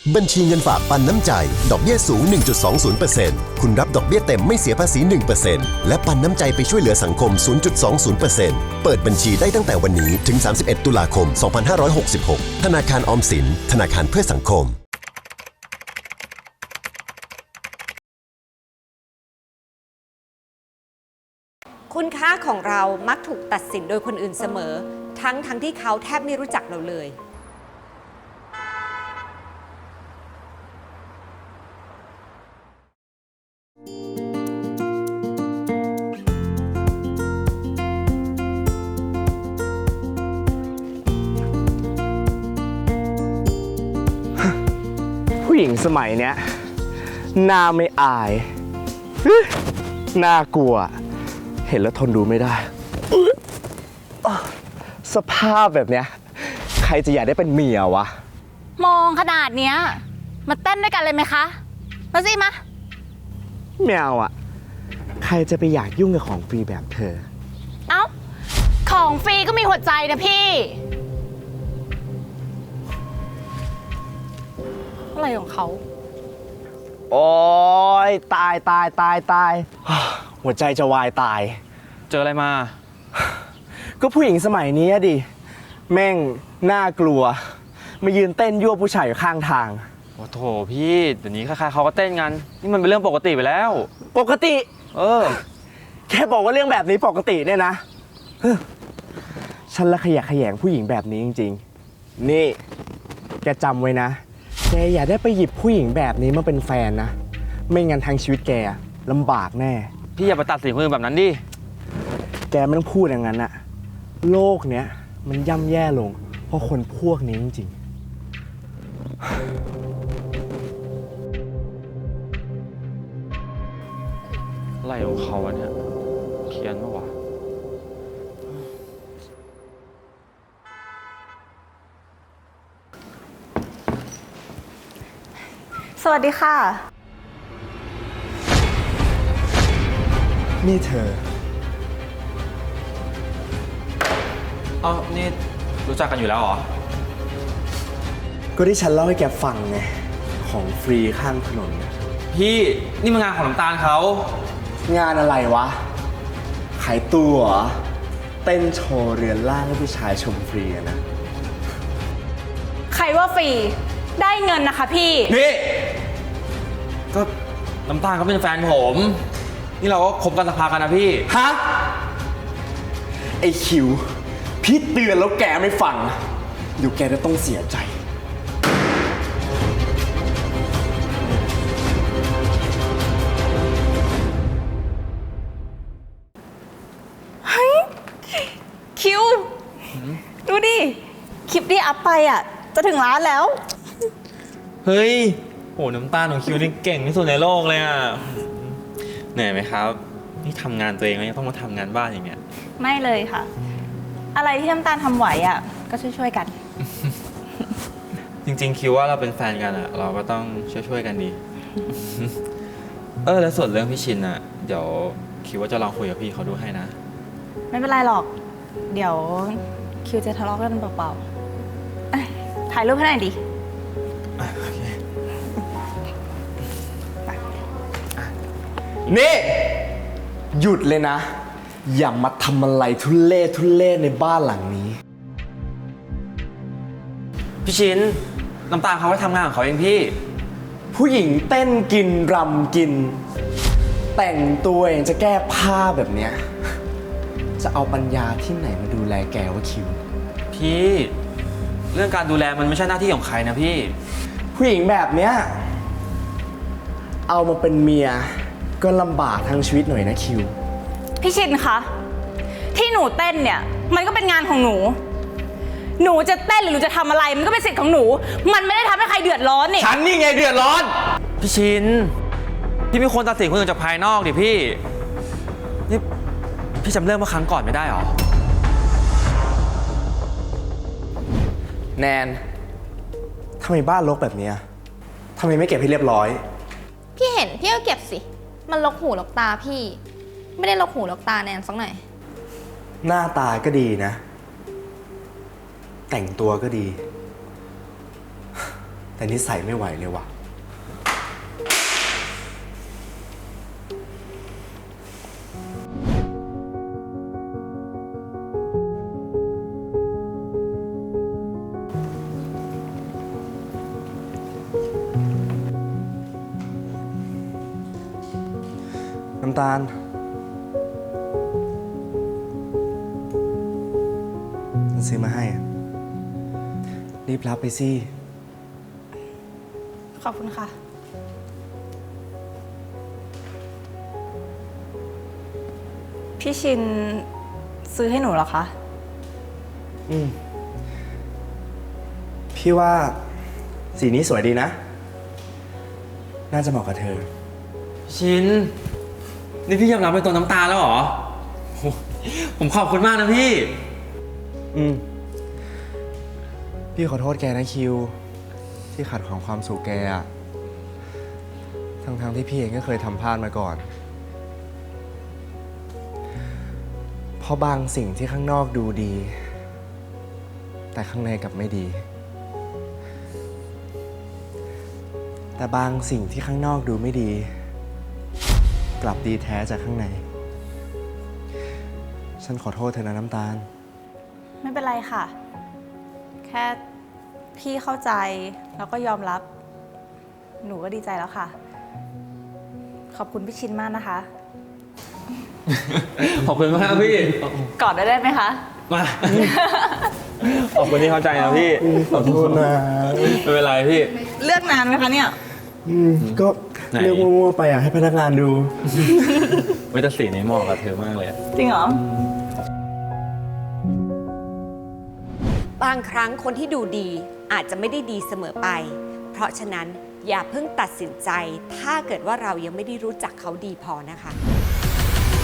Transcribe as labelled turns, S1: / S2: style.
S1: บัญชีเงินฝากปันน้ำใจดอกเบี้ยสูง 1.20% คุณรับดอกเบี้ยเต็มไม่เสียภาษี 1% และปันน้ำใจไปช่วยเหลือสังคม 0.20% เปิดบัญชีได้ตั้งแต่วันนี้ถึง 31 ตุลาคม 2566 ธนาคารออมสินธนาคารเพื่อสังคม
S2: คุณค่าของเรามักถูกตัดสินโดยคนอื่นเสมอทั้งที่เขาแทบไม่รู้จักเราเลย
S3: ผู้หญิงสมัยเนี้ยหน้าไม่อายน่ากลัวเห็นแล้วทนดูไม่ได้สภาพแบบเนี้ยใครจะอยากได้เป็นเมียวะ
S4: มองขนาดเนี้ยมาเต้นด้วยกันเลยไหมคะมาสิมา
S3: แมวอ่ะใครจะไปอยากยุ่งกับของฟรีแบบเธอ
S4: เอ้าของฟรีก็มีหัวใจนะพี่อะไรของเขา
S3: โอ้ยตายหัวใจจะวายตาย
S5: เจออะไรมา
S3: ก็ผู้หญิงสมัยนี้ดิแม่งน่ากลัวมายืนเต้นยั่วผู้ชายอยู่ข้างทาง
S5: โอ้โถพี่เดี๋ยวนี้ใครๆเขาก็เต้นกันนี่มันเป็นเรื่องปกติไปแล้ว
S3: ปกติแค่บอกว่าเรื่องแบบนี้ปกติเนี่ยนะฉันละขยะแขยงผู้หญิงแบบนี้จริงๆนี่แกจำไว้นะแกอย่าได้ไปหยิบผู้หญิงแบบนี้มาเป็นแฟนนะไม่งั้นทางชีวิตแกลำบากแน่
S5: พี่อย่าไปตัดสินคนอื่นแบบนั้นดิ
S3: แกไม่ต้องพูดอย่างนั้นอะโลกเนี้ยมันย่ำแย่ลงเพราะคนพวกนี้จริง
S5: ๆอะไรของเขาวะเนี่ยเขียนปะวะ
S4: สวัสดีค่ะ
S3: นี่เธอ
S5: อ๋อนี่รู้จักกันอยู่แล้วเหรอ
S3: ก็ที่ฉันเล่าให้แกฟังไงของฟรีข้างถนน
S5: พี่นี่มันงานของน้ำตาลเขา
S3: งานอะไรวะขายตัวเต้นโชว์เรือนร่างให้ผู้ชายชมฟรีนะ
S4: ใครว่าฟรีได้เงินนะคะพี่
S5: ก็น้ำตาลเขาเป็นแฟนผมนี่เราก็คบกันสักพักกันนะพี่
S3: ฮะไอคิวพี่เตือนแล้วแกไม่ฟังเดี๋ยวแกจะต้องเสียใจ
S4: เฮ้ยคิวดูดิคลิปที่อัพไปอ่ะจะถึงล้านแล้ว
S5: เฮ้ยโหน้ำตาลของคิวนี่เก่งที่สุดในโลกเลยอ่ะเหนื่อยไหมครับนี่ทำงานตัวเองแล้วยังต้องมาทำงานบ้านอย่างเงี้ย
S4: ไม่เลยค่ะอะไรที่น้ำตาลทำไหวอ่ะก็ช่วยกัน
S5: จริงๆคิดว่าเราเป็นแฟนกันอ่ะเราก็ต้องช่วยกันดีแล้วส่วนเรื่องพี่ชินอ่ะเดี๋ยวคิดว่าจะลองคุยกับพี่เขาดูให้นะ
S4: ไม่เป็นไรหรอกเดี๋ยวคิวจะทะเลาะกันเปล่าๆถ่ายรูปให้หน่อยดิ
S5: โอเค
S3: นี่หยุดเลยนะอย่ามาทำอะไรทุเล่ในบ้านหลังนี้
S5: พี่ชินน้ำตาลเขาไปทำงานของเขาเองพี่
S3: ผู้หญิงเต้นกินรำกินแต่งตัวเองจะแก้ผ้าแบบเนี้ยจะเอาปัญญาที่ไหนมาดูแลแกวะคิว
S5: พี่เรื่องการดูแลมันไม่ใช่หน้าที่ของใครนะพี่
S3: ผู้หญิงแบบเนี้ยเอามาเป็นเมียก็ลำบากทั้งชีวิตหน่อยนะคิว
S4: พี่ชินคะที่หนูเต้นเนี่ยมันก็เป็นงานของหนูจะเต้นหรือหนูจะทำอะไรมันก็เป็นสิทธิ์ของหนูมันไม่ได้ทำให้ใครเดือดร้อนนี่
S3: ฉันนี่ไงเดือดร้อน
S5: พี่ชินพี่ไม่ควรตัดสินคนอื่นจากภายนอกดิพี่นี่พี่จำเรื่องเมื่อครั้งก่อนไม่ได้หรอ
S3: แนนทำไมบ้านรกแบบนี้ทำไมไม่เก็บให้เรียบร้อย
S6: พี่เห็นพี่ก็เก็บสิมันรกหูรกตาพี่ไม่ได้รกหูรกตาแนนสักหน่อย
S3: หน้าตาก็ดีนะแต่งตัวก็ดีแแต่นิสัยไม่ไหวเลยว่ะ น้ำตาล ซื้อมาให้อะรีบรับไปสิ
S4: ขอบคุณค่ะ พี่ชินซื้อให้หนูเหรอคะ
S3: พี่ว่าสีนี้สวยดีนะ น่าจะเหมาะกับเธอ
S5: ชิน นี่พี่ยอมรับเป็นตัวน้ำตาแล้วเหรอโหผมขอบคุณมากนะพี่
S3: พี่ขอโทษแกนะคิว ที่ขัดขวางความสุขแกอะทั้งที่พี่เองก็เคยทำพลาดมาก่อน เพราะบางสิ่งที่ข้างนอกดูดี แต่ข้างในกลับไม่ดี แต่บางสิ่งที่ข้างนอกดูไม่ดี กลับดีแท้จากข้างใน ฉันขอโทษเธอนะน้ำตาล
S4: ไม่เป็นไรค่ะ แค่พี่เข้าใจแล้วก็ยอมรับ หนูก็ดีใจแล้วค่ะ ขอบคุณพี่ชินมากนะคะ
S5: ขอบคุณมากพี่
S4: กอดได้ไหมคะ
S5: มา ขอบคุณที่เข้าใจนะพี่
S3: ขอโทษนะ
S5: ไม่เป็นไรพี่
S4: เลือกนานไหมคะเนี่ย
S3: ก็
S5: ไหน
S3: เรียกมั่วๆไปให้พนักงานดู
S5: ไม่แต่สีนี้เหมาะกับเธอมากเลยอะ
S4: จริงเหรอ
S2: บางครั้งคนที่ดูดีอาจจะไม่ได้ดีเสมอไป เพราะฉะนั้นอย่าเพิ่งตัดสินใจถ้าเกิดว่าเรายังไม่ได้รู้จักเขาดีพอนะคะ